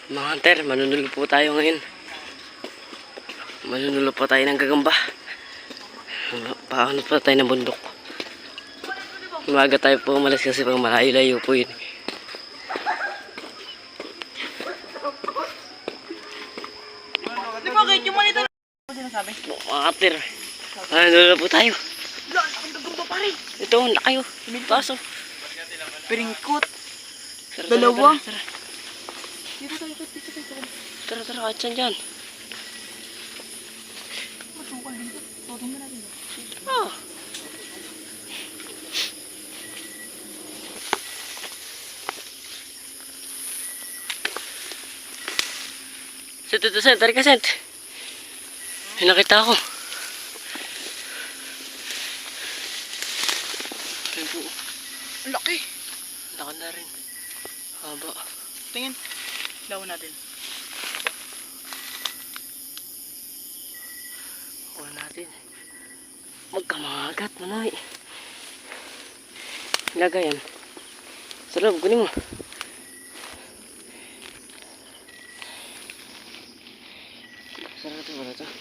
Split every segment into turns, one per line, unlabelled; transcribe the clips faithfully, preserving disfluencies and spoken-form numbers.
Mga hunter, manunulo po tayo ngayon. Manunulo po tayo ng gagamba. Paano po tayo ng bundok. Umaga tayo po umalis kasi pag malayo-layo po yun.
Di ba kahit yung manita ano sinasabi?
Mga hunter, manunulo po tayo.
Wala, ang gagamba pa rin.
Ito, lakayo. Paso.
Piringkot.
Tara,
Dalawa.
Tara, tara.
Dito tayo, dito tayo.
Tara, tara, kahit saan dyan.
Masukal dito. Totong na natin.
Ah. Sent, ito, sent. Tari ka, sent. May nakita ako. Ayun po.
Ang laki.
Laki na rin. Haba.
Tingin. Lawan natin.
Huwag natin. Magkamagat, manoy. Ilagay yan. Sa loob, kunin mo. Sarap ito, wala ito.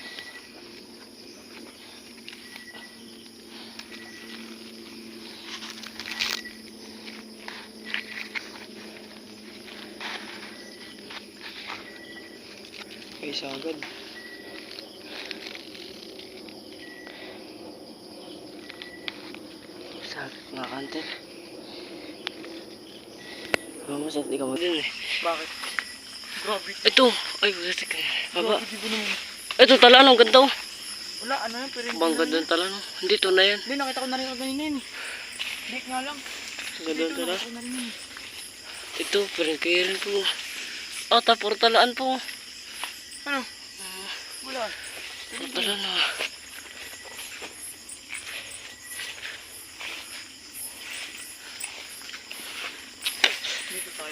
Ay, sagad.
Sagad mga kanter. Mama, saan di ka mo din eh.
Bakit? Grabe.
Ito. Ay, wala ka. Baba.
Grabe, di ba naman?
Ito, talanong, ganda oh.
Wala, ano yan? Pero
Bang ganda ng talanong. Hindi, ito na yan.
Hindi, nakita ko na rin ako ganina yun. Hindi nga lang.
Ganda ng
Dito,
talanong.
nakita ko na rin yun.
Ito, pero kaya rin po. Ah, tapor talaan po.
Ano? Wala.
Tapor talaan ah.
Dito tayo.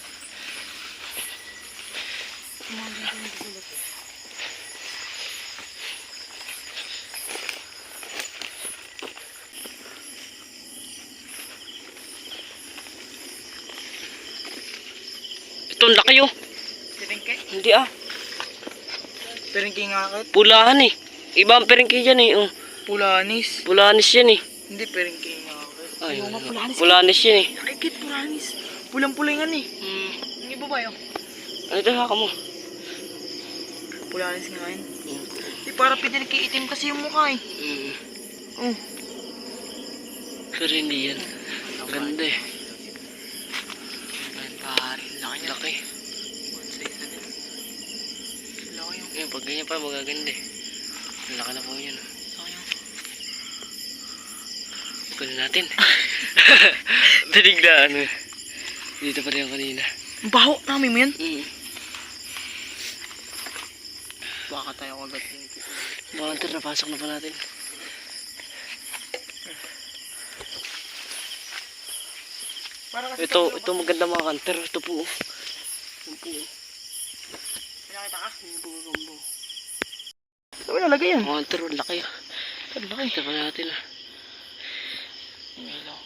Kumagal ko yung gulat eh.
Ito, ang laki oh.
Piringke?
Hindi ah.
Piringke nga akit?
Pulahan eh. Iba ang peringki dyan eh. Oh.
Pulanis.
Pulahanis yan eh.
Hindi, piringke nga akit.
Ay,
Ayaw nga, pulanis.
pulahanis yan eh.
Nakikit, pulanis. Pulang-pulingan eh.
Hmm.
Yung iba ba yun?
Ano ito, haka mo?
Pulanis nga yun.
Hmm.
Di para pinagkiitim kasi yung mukha eh.
Hmm.
Oh.
Pero hindi yan. Ang ganda eh.
Pare, laki niya.
Laki.
One size na din. Laki yung.
Ayun, pag ganyan pa, magaganda eh. Ang laki na po yun.
Laki yung.
Kunin natin. Dinig na ano. Dito pa rin yung kanina.
Ang baho namin mo yan.
Mm.
Baka tayo kagat yung.
Mga hunter, napasok na pa natin.
Para kasi
Ito, ito maganda mga hunter. Ito po. Ito po.
Pinakita ka?
Ito po gagamba.
Saan mo nalagay yan?
Mga hunter, ang laki.
Ang laki.
Ito pa natin ah.
Hello.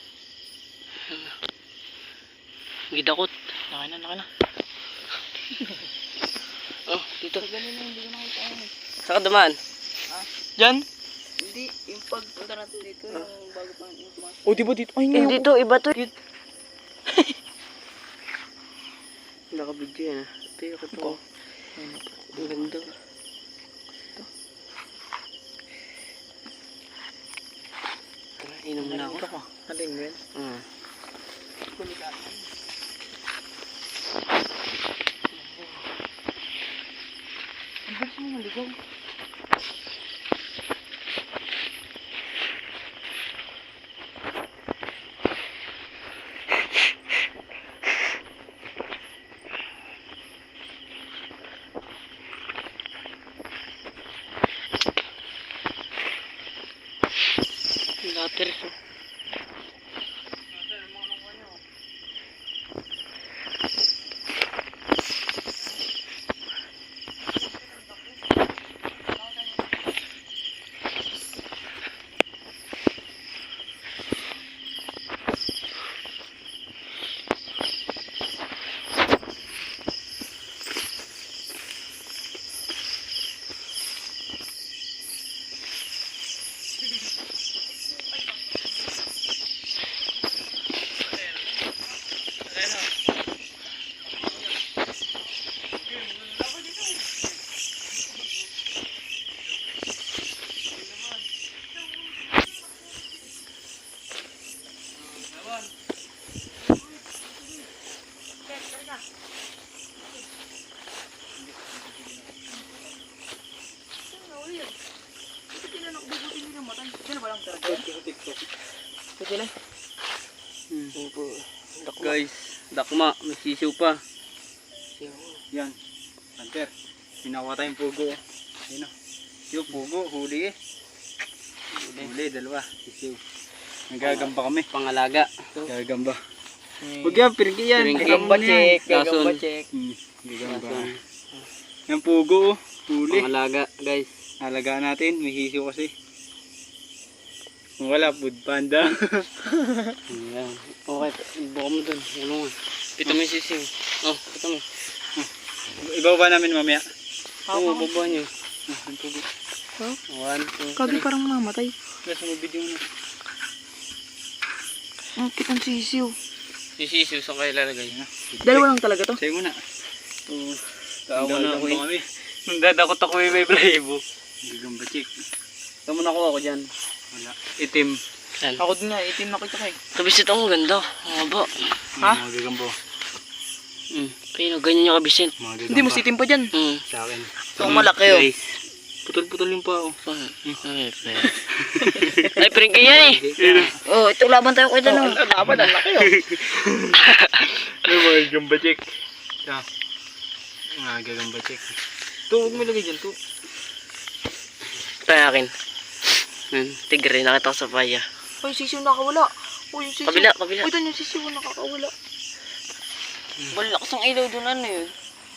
Gidakot.
Laki na, laki na.
Oh, dito.
Ganun na, hindi ko nakita yan eh.
Saka dumaan.
Diyan?
Hindi, yung pagpunta natin dito, yung bago pa yung tumas.
O, di ba dito? Ay, ngayon.
Dito, iba to. Nakabidyo yan ah. Ito yung ito.
Ito.
Ang ganda. Tara, inom na ako.
Ito ko. Natin mo yan?
Hmm.
Ang bilis mo maligaw.
Later.
na. Saan na uli yan? Ito sila na ububutin nila matay. Sino ba lang talaga? Ito sila.
Hmm. Guys, dakma, may sisiw pa.
Yan. Hunter. Pinakuha tayong pugo. Ayun o. Yung pugo, huli eh. Huli, dalawa. Sisiw. Nagagamba kami.
Pangalaga.
Gagamba. Huwag yan, pirgi yan.
Pirgi.
Gagamba check. Gagamba
Lason.
check.
Hmm, gagamba. Yan pugo oh. Huli.
Pangalaga, guys.
Alagaan natin, may sisiw kasi. Kung wala, food panda.
Ayan. Okay, buka mo dun. Ano nga. Pito mo yung sisiw. Oh, pito mo.
Ibaba namin mamaya.
Oo, oh, baba nyo.
Ah, yung pugo.
One, two,
Kagi
three.
parang mamatay.
Guys, mag-video na.
Ang kitang sisiw.
Yung sisiw, saan kayo lalagay?
Dalawa lang talaga to.
Sa'yo muna.
Oo.
Tawa na ako eh.
kami. Nung dadakot ako eh, may blaybo.
Gagamba check.
Saan mo nakuha ko dyan?
Wala. Itim.
Saan?
Ako din nga, itim na kita kay.
Kabisit ako, ganda. Haba.
Ha?
Mga gagambo.
Hmm. Ayun, ganyan yung kabisit.
Mga gagamba.
Hindi mo sitim pa dyan.
Hmm.
Sa akin.
So, malaki oh.
Guys. Putol-putol yung pao.
Ay, pre. Ay, pre, kaya eh.
Oh, ito laban tayo kay Dano. Laban, ang laki oh.
Ay, mga gagamba check. Siya. Mga gagamba check. Ito, huwag mo ilagay dyan. Ito.
Tayo akin. Hmm. Tigre, nakita ko sa paya.
Oh, yung sisiw nakawala. Oh, yung sisiw.
Kabila, kabila.
Oh, ito yung sisiw nakakawala.
Balakas ang ilaw doon, ano yun?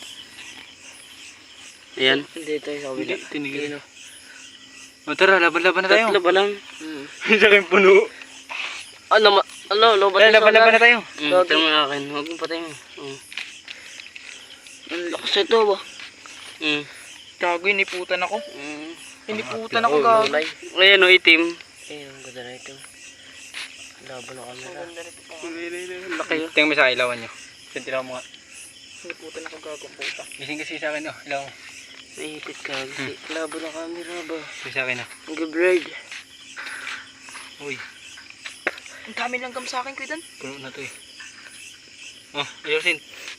Ayan. Hindi tayo sa kabila.
Hindi, tinigil. O tara, laban-laban na tayo.
Tatlo ba lang? Hmm.
Sa akin puno.
Ano, ma- ano, lobat
Tara, laban-laban na tayo.
Hmm, ito mo akin. Huwag mo patay mo. Hmm. Ang lakas ito ba? Hmm.
Gago, iniputan ako.
Hmm.
Iniputan ako, gago.
Ayan o, itim. Ayan, ang ganda na ito. Laban na camera.
Laki yun. Tingnan mo sa ilawan nyo. Sintilaw mo nga.
Iniputan ako, gago, ang puta.
Gising kasi sa akin, oh. Ilaw mo.
Naipit ka. Hmm. Laban na camera ba?
Gising sa akin, oh.
Ang gabride.
Uy,
Ang dami lang gam sa akin, Kuidan.
puno na to eh. Oh, ayusin.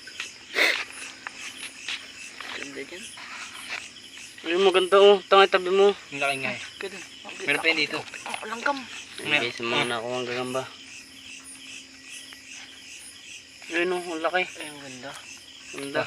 Ganda dyan. Ayun, maganda oh. Tangay tabi mo.
Ang laki nga eh.
Kuidan.
Meron pa yun dito.
Ang langgam.
Ayun guys, mga na ako ang gagamba. Ayun oh, ang laki. Ay, ang ganda. Ganda.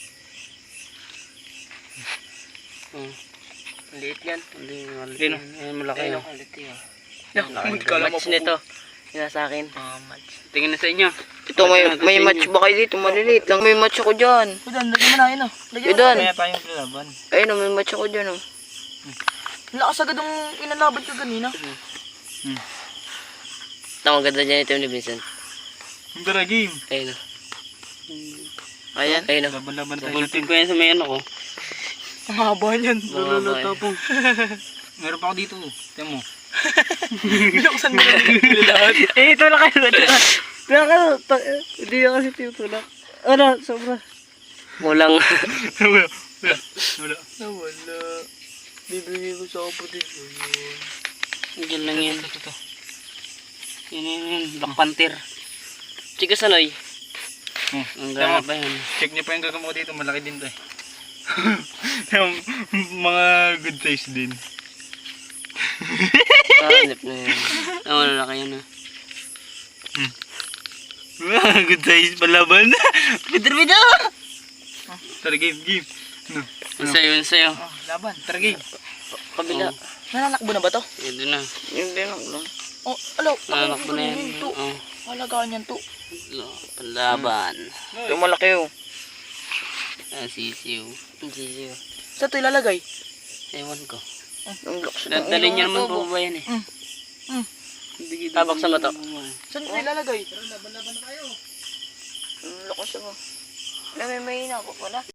Oh. Ang liit yan. Hindi, maliit.
Ayun, oh.
Ayun, malaki
Ayun,
oh. Ang liit yun.
Yan,
Laki.
hindi ka alam
Match
mapupu-
nito. Yan sa akin.
Ah, match.
Tingin na sa inyo.
Ito, may, may match ba kayo dito? Maliliit lang. May match ako dyan. Kuidan, lagyan mo na yun oh. Lagyan mo
Kuidan.
na.
Kaya tayong laban.
Ayun oh, may match ako dyan oh. Lakas agad ang inalaban ko ganina.
Hmm.
Ito, ang ganda dyan ito ni Vincent.
Ang tara game.
Ayun oh. Ayan. Ayun oh.
Laban-laban tayo
Bulpig
natin.
ko yan sa may ano ko.
Ang haba niyan.
Lululutapong.
Meron pa ako dito. Tingnan mo.
Binuksan mo na lahat.
Eh, ito na kayo. Kaya ka, hindi na kasi tinutulak. Ano, sobra. Walang.
Wala. Wala. Wala.
Nawala. Bibigay ko sa kapatid ko yun.
Diyan lang yan.
Ito, ito.
Yan yan yan. Black Panther. Chika sanoy.
Hmm.
Ang
Tingnan mo.
gana pa yan.
Check niyo pa yung gagamo ko dito. Malaki din to eh. Yung mga good size din.
Kaanip na yan. Ang wala na kayo na.
Good size palaban.
Bidder bidder!
Tara game, game. No.
Ang sayo, ang sayo.
Oh, laban. Tara game.
Kabila.
Nananakbo na ba to?
Ito na.
Hindi na lang. Oh, alo.
Nanakbo na yan.
To.
Oo.
Halagaan yan to.
Panlaban.
Ito malaki oh.
Ah, sisiw. Ang sisiw.
Sa ito ilalagay?
Ewan ko.
Ang lakas.
Dadalhin niya naman po ba yan eh.
Mm. Mm.
Tabak sa mata.
Saan ito ilalagay? Laban-laban na tayo. Ang lakas ako. Alam mo, may hina ako pala.